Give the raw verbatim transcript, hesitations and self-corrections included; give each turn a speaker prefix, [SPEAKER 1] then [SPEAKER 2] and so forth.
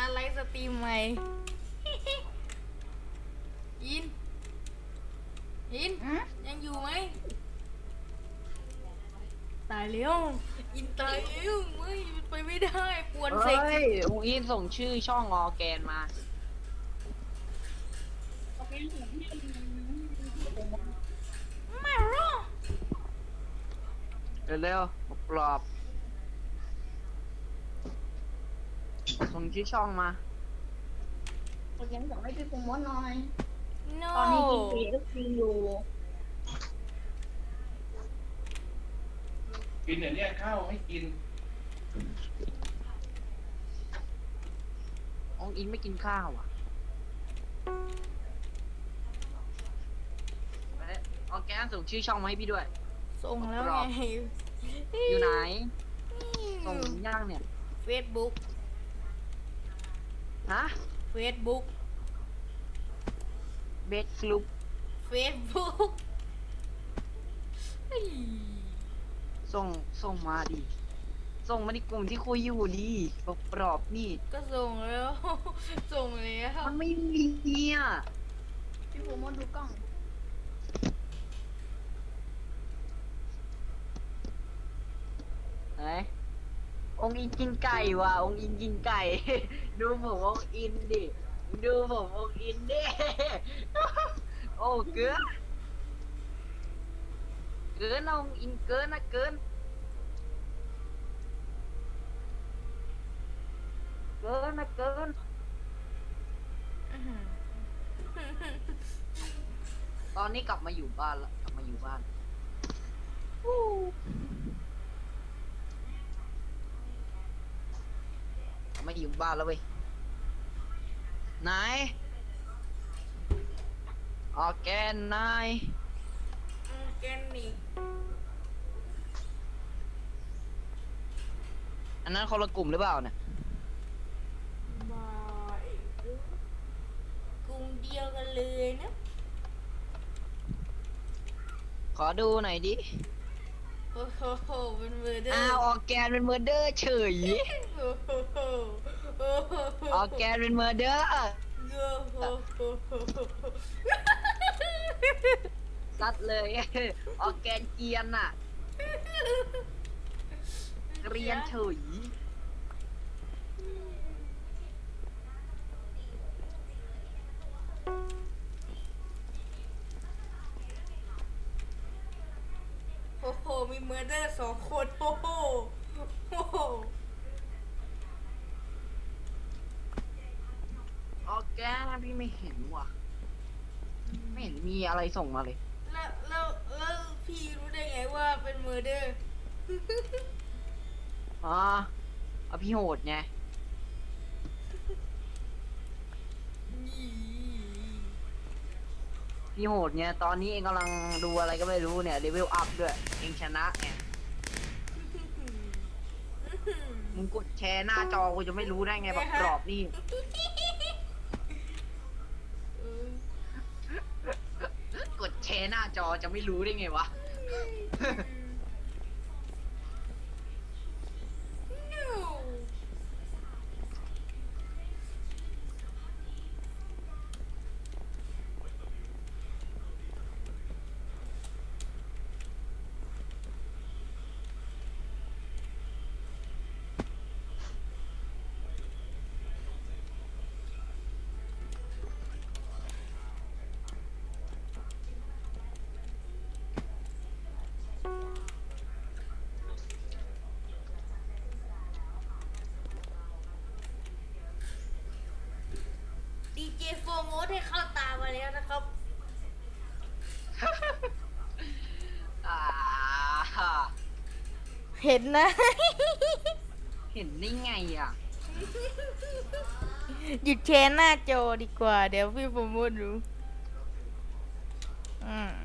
[SPEAKER 1] ไลฟ์สตรีมใหม่ อิน อิน
[SPEAKER 2] อืม
[SPEAKER 1] ยังอยู่ไหม ตายแล้วอินตายแล้วไม่มันไปไม่ได้ปวนเส
[SPEAKER 3] เฮ้
[SPEAKER 1] ก
[SPEAKER 3] ยองอินส่งชื่อช่องออร์แกนมา
[SPEAKER 2] โอเคผมที่
[SPEAKER 1] ไม่รอ
[SPEAKER 3] เร็วๆปลอบส่งชื่อช่องมา
[SPEAKER 2] ผมยังส่งให้พี่ปุ้มว่าน้อย
[SPEAKER 1] no
[SPEAKER 2] ตอนนี้กินเฟก็กินอยู่
[SPEAKER 4] กินเดี๋ยวเรียกข้าวให้กิน
[SPEAKER 3] องอินไม่กินข้าวอ่ะไปออร์แกนส่งชื่อช่องมาให้พี่ด้วย
[SPEAKER 1] ส่งแล้วไง
[SPEAKER 3] อยู่ไหน ส่งย่างเนี่ย
[SPEAKER 1] เฟซบุ๊ก
[SPEAKER 3] ฮะ
[SPEAKER 1] เฟซบุ๊ก
[SPEAKER 3] เบสกลุป
[SPEAKER 1] เฟซบุ๊ก
[SPEAKER 3] ส่งส่งมาดิ ส่งมาในกลุ่มที่คุยอยู่ดีปลอบๆนี่
[SPEAKER 1] ก็ส่งแล้ว ส่งแล้ว
[SPEAKER 3] มันไม่มีอ่ะ
[SPEAKER 2] พี่ปุ้มว่าดูกล้อง
[SPEAKER 3] ไหนองอินกินไก่ว่ะองอินกินไก่ ดูผมองอินดิ ดูผมองอินดิ โอ้เกินเกินนะองอินเกินนะเกิน เกินนะเกิน
[SPEAKER 1] อื้อหือ
[SPEAKER 3] ตอนนี้กลับมาอยู่บ้านละกลับมาอยู่บ้านกลับมาอยู่บ้านแล้วเว้ยไหนออร์แกนนาย
[SPEAKER 1] อืมแกนนี่
[SPEAKER 3] อันนั้นคนละกลุ่มหรือเปล่าเนี่ย
[SPEAKER 1] บายกลุ่มเดียวกันเลยนะ
[SPEAKER 3] ขอดูหน่อยดิ
[SPEAKER 1] โอ้โหเป็นเมอร์เดอ
[SPEAKER 3] อ้า
[SPEAKER 1] ร์
[SPEAKER 3] วออร์แกนเป็นเมอร์เดอร์เฉย
[SPEAKER 1] โอ้โหโอ้โห
[SPEAKER 3] ออร์แกนเป็นเมอร์เดอร์
[SPEAKER 1] โอ้โห
[SPEAKER 3] ซัดเลย ออร์แกนเกรียนอะเกรียนเฉย
[SPEAKER 1] โอ้โหมีเมอร์เดอร์สองคนโอ้โหโอ้โห
[SPEAKER 3] ออร์แกนพี่ไม่เห็นว่ะ ไม่เห็นมีอะไรส่งมาเลย
[SPEAKER 1] แล้วแล้วแล้วพี่รู้ได้ไงว่าเป็นเมอร์เดอร์
[SPEAKER 3] อ๋อเอาพี่โหดไง พี่โหดไง ตอนนี้เองกำลังดูอะไรก็ไม่รู้เนี่ยเลเวลอัพด้วย เองชนะไง มึงกดแชร์หน้าจอกูจะไม่รู้ได้ไงแบบกรอบนี่ กดแชร์หน้าจอจะไม่รู้ได้ไงวะ
[SPEAKER 1] ดีเจโฟร์โมดให้เข้าตามาแล้วนะครับ
[SPEAKER 3] อ่า
[SPEAKER 1] เห็นนะ
[SPEAKER 3] เห็นได้ไงอ่ะ
[SPEAKER 1] หยุดแชร์หน้าจอดีกว่า เดี๋ยวพี่โปรโมทดูอืม